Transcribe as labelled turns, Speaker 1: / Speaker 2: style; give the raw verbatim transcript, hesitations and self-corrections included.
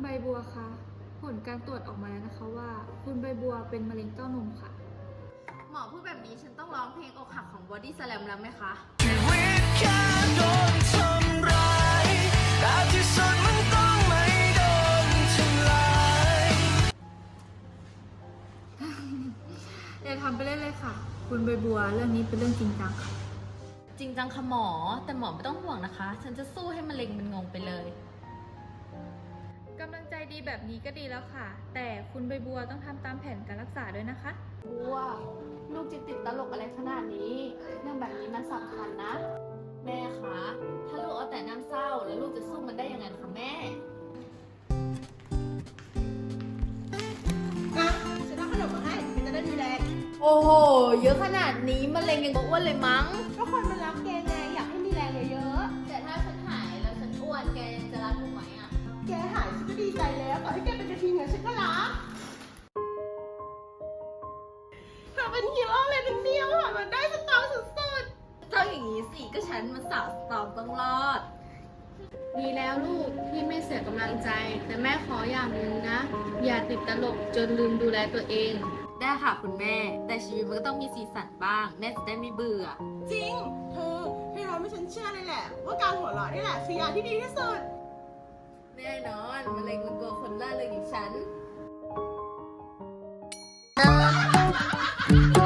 Speaker 1: ใบบัวคะผลการตรวจออกมาแล้วนะคะว่าคุณใบบัวเป็นมะเร็งเต้านมค่ะ
Speaker 2: หมอพูดแบบนี้ฉันต้องร้องเพลงอกหักของ Body Slam แล้วไหมคะ
Speaker 3: ชีวิตแค่โดนทำร้ายแต่ที่สุดมันต้องไม่โดนทำลาย
Speaker 1: อย่าทำไปเล่นเลยค่ะ คุณใบบัวเรื่องนี้เป็นเรื่องจริงจังค่ะ
Speaker 2: จริงจังค่ะหมอ แต่หมอไม่ต้องห่วงนะคะ ฉันจะสู้ให้มะเร็งมันงงไปเลย
Speaker 1: กำลังใจดีแบบนี้ก็ดีแล้วค่ะ แต่คุณใบบัวต้องทำตามแผนการรักษาด้วยนะคะ
Speaker 4: บัวลูกจะติดตลกอะไรขนาดนี้ เรื่องแบบนี้มันสำคัญนะ
Speaker 2: แม่คะ ถ้าลูกเอาแต่น้ำเศร้าแล้วลูกจะสู้มันได้ยังไงคะแม่
Speaker 5: อ่ะฉันเอาขนมมาให้มันจะได้มีแรง
Speaker 2: โอ้โห เยอะขนาดนี้มะเร็งยังอ้วนเลยมั้ง
Speaker 5: ก็คนมันรักแกไงอยากให้มีแรงเยอะ
Speaker 2: แต่ถ้าฉันหายแล้วฉันอ้วนแกยังจะรักหนูไหมอ่ะ
Speaker 5: ๆแกหายฉันก็ดีใจแล้วต่อให้แกเป็นกระทิงอะฉันก็รักเธอเป็นฮีโร่เลยนะเนี่ยผ่านมันได้สตาร์สุด
Speaker 2: ต้องอย่างนี้สิ ก็ฉันมันสาวสตอมต้องรอด
Speaker 4: ดีแล้วลูกที่ไม่เสียกำลังใจ แต่แม่ขออย่างหนึ่งนะ อย่าติดตลกจนลืมดูแลตัวเอง
Speaker 2: ได้ค่ะคุณแม่ แต่ชีวิตมันก็ต้องมีสีสันบ้าง แม่จะได้ไม่เบื่อ
Speaker 5: ๆจริง เธอให้เราไม่ฉันเชื่อเลยแหละ ว่าการหัวเราะนี่แหละคือยาที่ดีที่สุด
Speaker 2: แน่นอนมะเร็งมันกลัวคนล่าเริงอย่างฉัน